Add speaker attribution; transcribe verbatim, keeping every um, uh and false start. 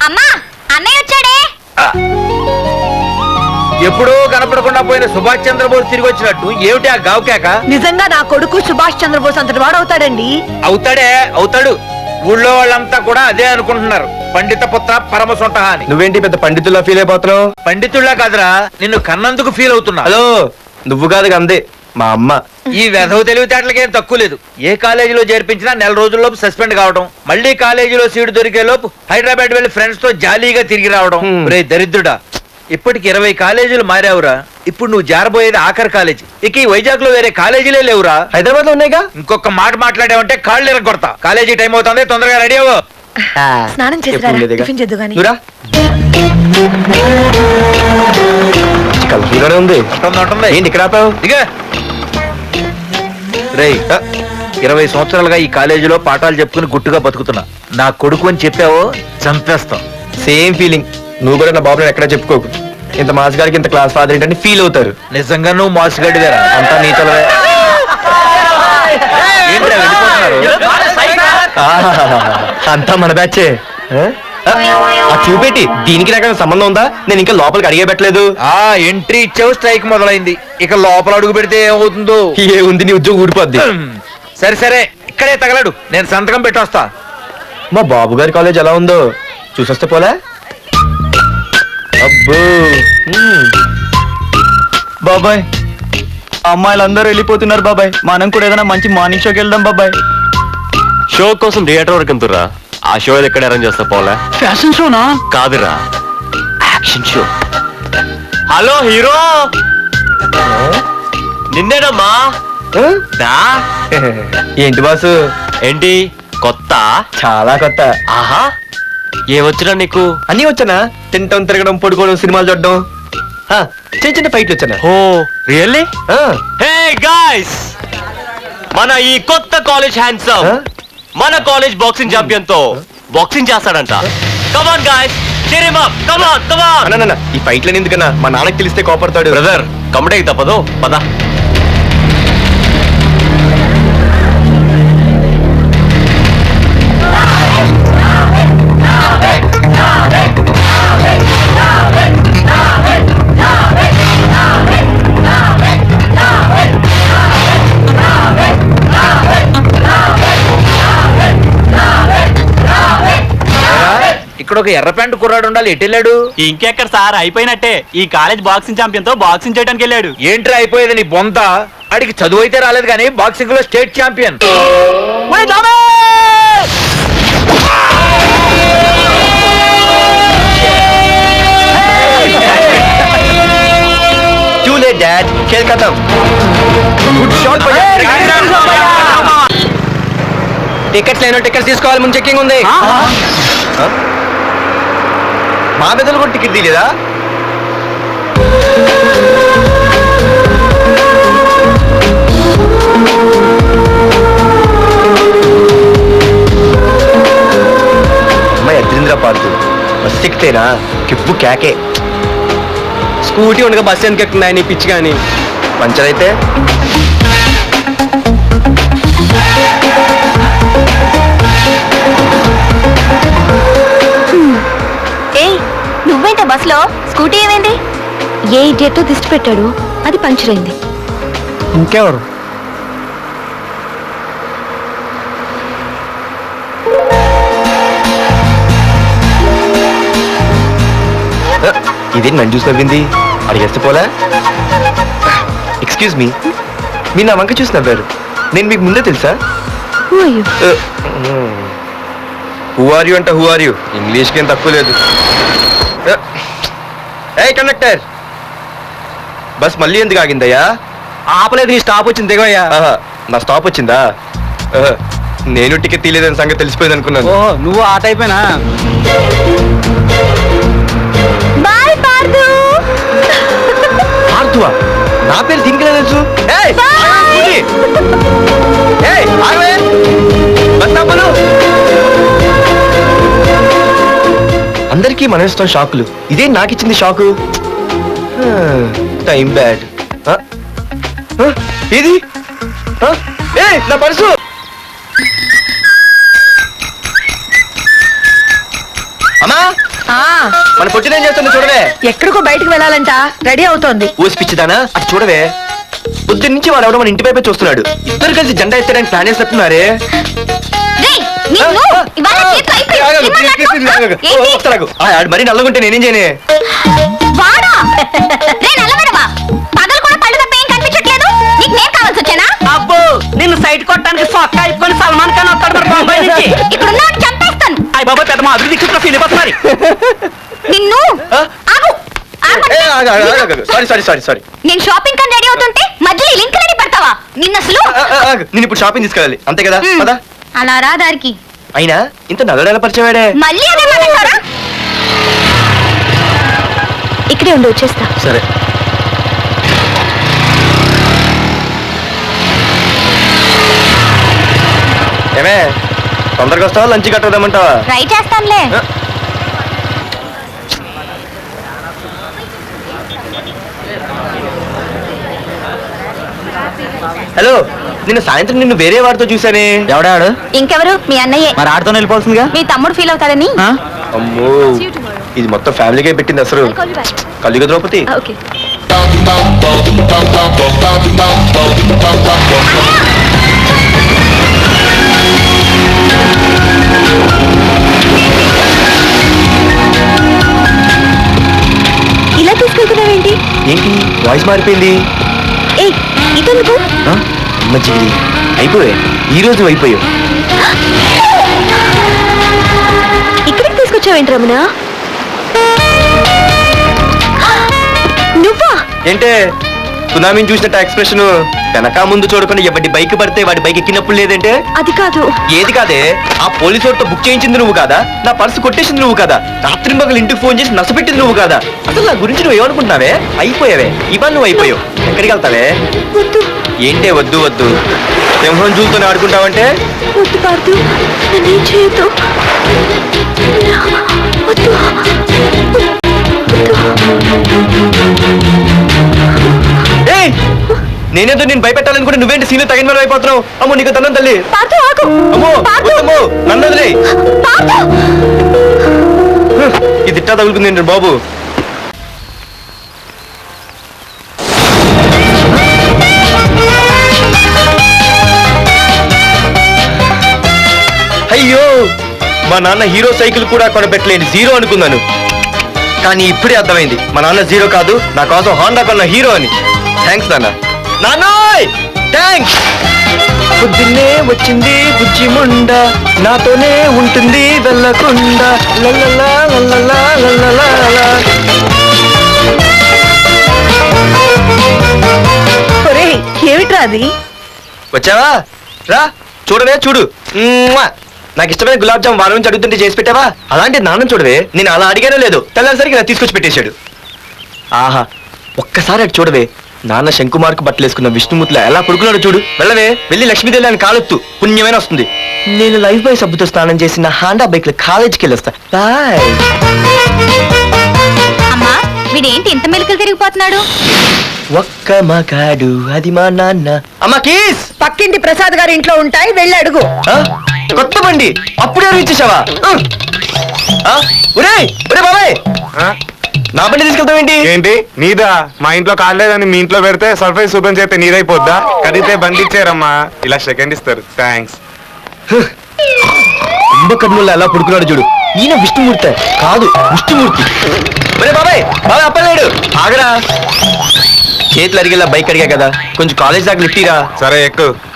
Speaker 1: అమ్మా అన్నయ్య వచ్చాడే.
Speaker 2: ఎప్పుడూ కనపడకుండా పోయిన సుభాష్ చంద్రబోస్ తిరిగి వచ్చినట్టు ఏమిటి ఆ గావుకేక?
Speaker 3: నిజంగా నా కొడుకు సుభాష్ చంద్రబోస్ అంతటి వాడు అవుతాడండి.
Speaker 2: అవుతాడే అవుతాడు. ఊళ్ళో వాళ్ళంతా కూడా అదే అనుకుంటున్నారు. పండిత పుత్ర పరమ సొంట అని.
Speaker 4: నువ్వేంటి పెద్ద పండితుల్లా ఫీల్ అయిపోతున్నావు?
Speaker 2: పండితుళ్ళ కాదురా, నిన్ను కన్నందుకు ఫీల్ అవుతున్నా.
Speaker 4: హలో, నువ్వు కాదు అందే మా అమ్మ.
Speaker 2: ఈ వెధవ తెలివితేటలకేం తక్కువ లేదు. ఏ కాలేజీలో చేర్పించినా నెల రోజుల్లోపు సస్పెండ్ కావడం, మళ్ళీ కాలేజీలో సీటు దొరికే లోపు హైదరాబాద్ వెళ్లి ఫ్రెండ్స్ తో జాలీగా తిరిగి రావడం. రే దరిద్రుడా, ఇప్పటికి ఇరవై కాలేజీలు మారావురా. ఇప్పుడు నువ్వు జారబోయేది ఆఖరి కాలేజీ. ఇక ఈ వైజాగ్ లో వేరే కాలేజీలే లేవురా.
Speaker 4: హైదరాబాద్ లో ఉన్నాయిగా.
Speaker 2: ఇంకొక మాట మాట్లాడావంటే కాళ్ళు ఎరగొడతా. కాలేజీ టైం అవుతుంది, తొందరగా రెడీ అవ్వు.
Speaker 3: స్నానం చేసి టిఫిన్ చేద్దు గాని.
Speaker 4: ఉంది
Speaker 2: ఉంటుంది.
Speaker 4: ఏంటి ఇక్కడ ఆపావు?
Speaker 2: ఇక రే, ఇరవై సంవత్సరాలుగా ఈ కాలేజీలో పాఠాలు చెప్పుకుని గుట్టుగా బతుకుతున్నా. నా కొడుకు అని చెప్పావో చంపేస్తాం. Same feeling.
Speaker 4: నువ్వు కూడా నా బాబు ఎక్కడ చెప్పుకోకు. ఇంత మాస్ గారికి ఇంత క్లాస్ ఫాదర్ ఏంటని ఫీల్ అవుతారు.
Speaker 2: నిజంగా నువ్వు మాసుగడ్డివేరా? అంతా నీతలవే. ఏంట్రా వెళ్ళిపోతున్నారు?
Speaker 4: అంతా మన బ్యాచే. చూపెట్టి దీనికి నాకు సంబంధం ఉందా? నేను ఇంకా లోపలికి అడిగే పెట్టలేదు.
Speaker 2: ఆ ఎంట్రీ ఇచ్చావు, స్ట్రైక్ మొదలైంది. ఇక లోపల అడుగు పెడితే ఏమవుతుందో.
Speaker 4: ఏ ఉంది, నీ ఉద్యోగం ఊడిపోద్ది.
Speaker 2: సరే సరే, ఇక్కడే తగలడు, నేను సంతకం పెట్టొస్తా.
Speaker 4: మా బాబు గారి కాలేజ్ ఎలా ఉందో చూసొస్తే పోలే. అబ్బో
Speaker 5: బాబాయ్, అమ్మాయిలందరూ వెళ్ళిపోతున్నారు బాబాయ్. మనం కూడా ఏదైనా మంచి మార్నింగ్ షోకి వెళ్దాం బాబాయ్.
Speaker 6: షో కోసం థియేటర్ వరకు ఎంతురా? ఆ షో ఎక్కడ అరేంజ్ చేస్తా పోలే?
Speaker 5: ఫ్యాషన్ షోనా?
Speaker 6: కాదురా, యాక్షన్ షో. హలో హీరో, నిన్నేనమ్మా. దా.
Speaker 4: ఏంటి బాసు?
Speaker 6: ఏంటి కొత్త?
Speaker 4: చాలా కొత్త.
Speaker 6: ఆహా, ఏమొచ్చినా నీకు?
Speaker 4: అన్నీ వచ్చానా? తింటం, తిరగడం, పడుకోవడం, సినిమాలు చూడడం, ఆ, చిన్న చిన్న ఫైట్లు వచ్చానా?
Speaker 6: ఓ రియల్లీ? హే గాయ్స్, మన ఈ కొత్త కాలేజ్ హ్యాండ్సమ్ మన కాలేజ్ బాక్సింగ్ ఛాంపియన్ తో బాక్సింగ్ చేస్తాడంట. Come on guys, cheer him up. Come on, come on.
Speaker 4: అన్న ఈ ఫైట్లని ఎందుకన్నా? మా నాన్నకి తెలిస్తే కోపడతాడు.
Speaker 6: బ్రదర్, కమడేకి తప్పదు, పద.
Speaker 2: ఇక్కడ ఒక ఎర్ర ప్యాంటు కుర్రాడు ఉండాలి, ఎటు వెళ్ళాడు?
Speaker 5: ఇంకెక్కడ సార్, అయిపోయినట్టే. ఈ కాలేజ్ బాక్సింగ్ ఛాంపియన్ తో బాక్సింగ్ చేయడానికి వెళ్ళాడు.
Speaker 2: ఏంట్రా అయిపోయేది నీ బొంత? అడిగి చదువు అయితే రాలేదు కానీ బాక్సింగ్ లో state champion.
Speaker 4: Too late, Dad. खेल खत्म. Good shot, టికెట్స్ లేనో టికెట్స్ తీసుకోవాలి, ముందు చెక్కింగ్ ఉంది. మా పెద్దలు కూడా టికెట్ తీయలేదా? అమ్మాయి అద్రింద్ర పార్తు బస్ ఎక్కితేనా కిప్పు కేకే. స్కూటీ ఉండగా బస్సు ఎందుకు ఎక్కుతున్నాయి నీ పిచ్చి కానీ? పంచర్ అయితే
Speaker 1: నువ్వేంట బస్ లో? స్కూటీ ఏమైంది?
Speaker 3: ఏ ఇడియట్ దిష్టి పెట్టాడు, అది పంచర్ అయింది.
Speaker 5: ఇంకెవరు?
Speaker 4: ఇదేంటి నన్ను చూసి నవ్వింది? అడిగేస్తే పోలే. ఎక్స్క్యూజ్ మీ, మీరు నా వంక చూసి నవ్వారు. నేను మీకు ముందే తెలుసా? హూ ఆర్ యూ అంటే హూ ఆర్ యూ? ఇంగ్లీష్కి ఏం తక్కువ లేదు. ఏ కండక్టర్, బస్ మళ్ళీ ఎందుకు ఆగిందయ్యా?
Speaker 5: ఆపలేదు, నీ స్టాప్ వచ్చింది, దిగోయ్యా.
Speaker 4: నా స్టాప్ వచ్చిందా? నేను టికెట్ తీయలేదని సంగతి తెలిసిపోయింది అనుకున్నాను.
Speaker 5: ఓ, నువ్వు ఆ టైపేనా?
Speaker 1: బాయ్ పార్దు.
Speaker 4: పార్థువా? నా పేరు దీనికి తెలుసు. ఏయ్, ఆగవే, ఏయ్, ఆగవే, బస్ ఆపను. అందరికీ మనం ఇస్తాం షాకులు, ఇదే నాకు ఇచ్చింది షాకు. Time bad. ఇది ఏ నా పర్సు. అమ్మా మన పొట్టిన ఏం చేస్తుంది చూడవే.
Speaker 7: ఎక్కడికో బయటకు వెళ్ళాలంట, రెడీ అవుతోంది.
Speaker 4: ఊసి పిచ్చిదానా అటు చూడవే. పొద్దున్న నుంచి వాడు ఎవడో మన ఇంటి వైపే చూస్తున్నాడు. ఇద్దరు కలిసి జెండా ఎత్తడానికి ప్లాన్ చేస్తున్నారే.
Speaker 1: రేయ్, నిన్ను ఇవాళ చేతులు అయిపోయి- ఏంటి?
Speaker 4: మరి నల్లగుంటే నేనేం చేయనే.
Speaker 1: వాడా? రే నల్లబడవా, పగలు కూడా పళ్ళు తప్ప ఏం కనిపించట్లేదు. నీకు నేను కావాల్సి వచ్చానా?
Speaker 7: అబ్బో, నిన్ను సైడ్ కొట్టడానికి సొక్క అయిపోయి సల్మాన్ ఖాన్ వస్తాడు మరి బొంబాయి నుంచి.
Speaker 1: ఇక్కడ ఉన్న చంపేస్తాను
Speaker 7: అయ్య బాబా, పెద్ద మా అభివృద్ధి క్షేత్రం ఫీల్ అయిపోతున్నారు.
Speaker 1: నిన్ను.
Speaker 4: ఆ?
Speaker 1: ఆగు ఆగు.
Speaker 4: సారీ సారీ సారీ సారీ
Speaker 1: నేను షాపింగ్ కని రెడీ అవుతుంటే మధ్యలో ఈ లింక్ రెడీ పెడతావా? నిన్న అసలు
Speaker 4: నేను ఇప్పుడు షాపింగ్ తీసుకెళ్ళాలి అంతే కదా.
Speaker 1: మ్.
Speaker 4: పదా.
Speaker 1: అలా రా దారికి.
Speaker 4: అయినా ఇంత నల్లడేలా పరిచయవాడే.
Speaker 1: మళ్ళీ అదే మాట్లాడతారా?
Speaker 3: ఇక్కడే ఉండి వచ్చేస్తా.
Speaker 4: సరే. ఏమే తొందరగా వస్తావా లంచ్ కట్టదామంటావా?
Speaker 1: ట్రై చేస్తానులే.
Speaker 4: హలో, నిన్న సాయంత్రం నిన్ను వేరే వాడితో చూసానే.
Speaker 5: ఎవడాడు?
Speaker 1: ఇంకెవరు? మీ అన్నయ్యే.
Speaker 5: మరి ఆడుతో వెళ్ళిపోతుందిగా.
Speaker 1: మీ తమ్ముడు ఫీల్ అవుతాడని.
Speaker 5: ఆ?
Speaker 4: అమ్మో, ఇది మొత్తం ఫ్యామిలీకే పెట్టింది అసలు. కలియుగ ద్రౌపది.
Speaker 3: ఓకే. ఇలా తీసుకెళ్తున్నావేంటి?
Speaker 4: ఏంటి వాయిస్ మారిపోయింది?
Speaker 3: ఏ ఇదెందుకు?
Speaker 4: ఆ? అమ్మ జీవిడి అయిపోయా, ఈ రోజు అయిపోయావు.
Speaker 3: ఇక్కడికి తీసుకొచ్చావేంటి రమణ? నువ్వా?
Speaker 4: ఏంటే సునామీని చూసినట్టు ఎక్స్ప్రెషన్. వెనక ముందు చూడకుండా ఎవడి బైక్ పడితే వాడి బైక్ ఎక్కినప్పుడు లేదంటే.
Speaker 3: అది కాదు.
Speaker 4: ఏది కాదే, ఆ పోలీసు వాడితో బుక్ చేయించింది నువ్వు కాదా? నా పర్సు కొట్టేసింది నువ్వు కాదా? రాత్రి మగలు ఇంటికి ఫోన్ చేసి నసపెట్టింది నువ్వు కాదా? అసలు నా గురించి నువ్వు ఏమనుకుంటున్నావే? అయిపోయావే, ఇవాళ నువ్వు అయిపోయావు. ఎక్కడికి వెళ్తావే?
Speaker 3: వద్దు
Speaker 4: ఏంటే వద్దు వద్దు, సింహం జూలతోనే ఆడుకుంటావంటే?
Speaker 3: వద్దు పార్దు, నన్నేం చేయొద్దు. వద్దు.
Speaker 4: ఏయ్, నేనేదో నేను భయపెట్టాలనుకుంటే నువ్వేంటి సీన్లు తగిన వాడు అయిపోతున్నావు. అమ్మో నీకు తన్నం తల్లి.
Speaker 3: పార్దు ఆగు.
Speaker 4: అమ్మో
Speaker 3: పార్దు.
Speaker 4: అమ్మో నన్ను వదిలేయ్.
Speaker 3: పార్దు.
Speaker 4: ఇది ఇట్టా తగులుకుంది ఏంటి బాబు. అయ్యో, మా నాన్న హీరో సైకిల్ కూడా కొనబెట్టలేని జీరో అనుకున్నాను. కానీ ఇప్పుడే అర్థమైంది, మా నాన్న జీరో కాదు, నా కోసం హోండా కొన్న హీరో అని. థ్యాంక్స్ నాన్న. నాన్నోయ్ థ్యాంక్స్. పొద్దున్నే వచ్చింది బుజ్జి ముండ, నాతోనే ఉంటుంది వెళ్ళకుండా. లల్లలా లల్లలా లల్లలా.
Speaker 7: ఒరేయ్, ఏమిట్రా అది?
Speaker 4: వచ్చావా? రా చూడవే, చూడు. మ్మ్వా. నాకు ఇష్టమైన గులాబ్ జామ్ వారం నుంచి అడుగుతుంటే చేసి పెట్టావా? అలాంటి నాన్న చూడవే, నేను అలా అడిగానో లేదు, తెల్లారిసరికి నాకు తీసుకొచ్చి పెట్టేశాడు. ఆహా, ఒక్కసారి అటు చూడవే, నాన్న శంకుమార్కు బట్టలు వేసుకున్న విష్ణుమూర్తిలో ఎలా పడుకున్నాడు చూడు. వెళ్ళవే, వెళ్ళి లక్ష్మీదేవి అని కాలెత్తు, పుణ్యమైన వస్తుంది. నేను లైఫ్ బాయ్ సబ్బుతో స్నానం చేసిన హాండా బైక్ లో కాలేజీకి వెళ్ళొస్తా. బాయ్.
Speaker 1: అమ్మా, వీడేంటి ఇంత మెలికలు తిరిగిపోతున్నాడు?
Speaker 4: ఒక్క మగాడు అది మా నాన్న. అమ్మా కీస్.
Speaker 7: పక్కింటి ప్రసాద్ గారి ఇంట్లో ఉంటాయి, వెళ్ళి అడుగు.
Speaker 4: ఆ? కొత్త బండి అప్పుడే ఇచ్చేసావా? ఒరే ఒరే బాబాయ్, నా బండి తీసుకెళ్తావేంటి?
Speaker 8: ఏంటి నీదా? మా ఇంట్లో కాలేదని మీ ఇంట్లో పెడితే సర్ప్రైజ్ ఓపెన్ చేస్తే నీదైపోద్దా? కడిగితే బండి ఇచ్చారమ్మా, ఇలా సెకండ్ ఇస్తారు. థ్యాంక్స్.
Speaker 4: కుంభకర్ణుల్లో ఎలా పడుకున్నాడు చూడు. ఈయన విష్ణుమూర్తి కాదు, విష్ణుమూర్తి. ఒరే బాబాయ్, బాబాయ్ అప్పలేడు, ఆగరా. చేతులు అరిగేలా బైక్ అడిగా కదా, కొంచెం కాలేజ్ దాకా లిఫ్టీరా.
Speaker 8: సరే ఎక్కు.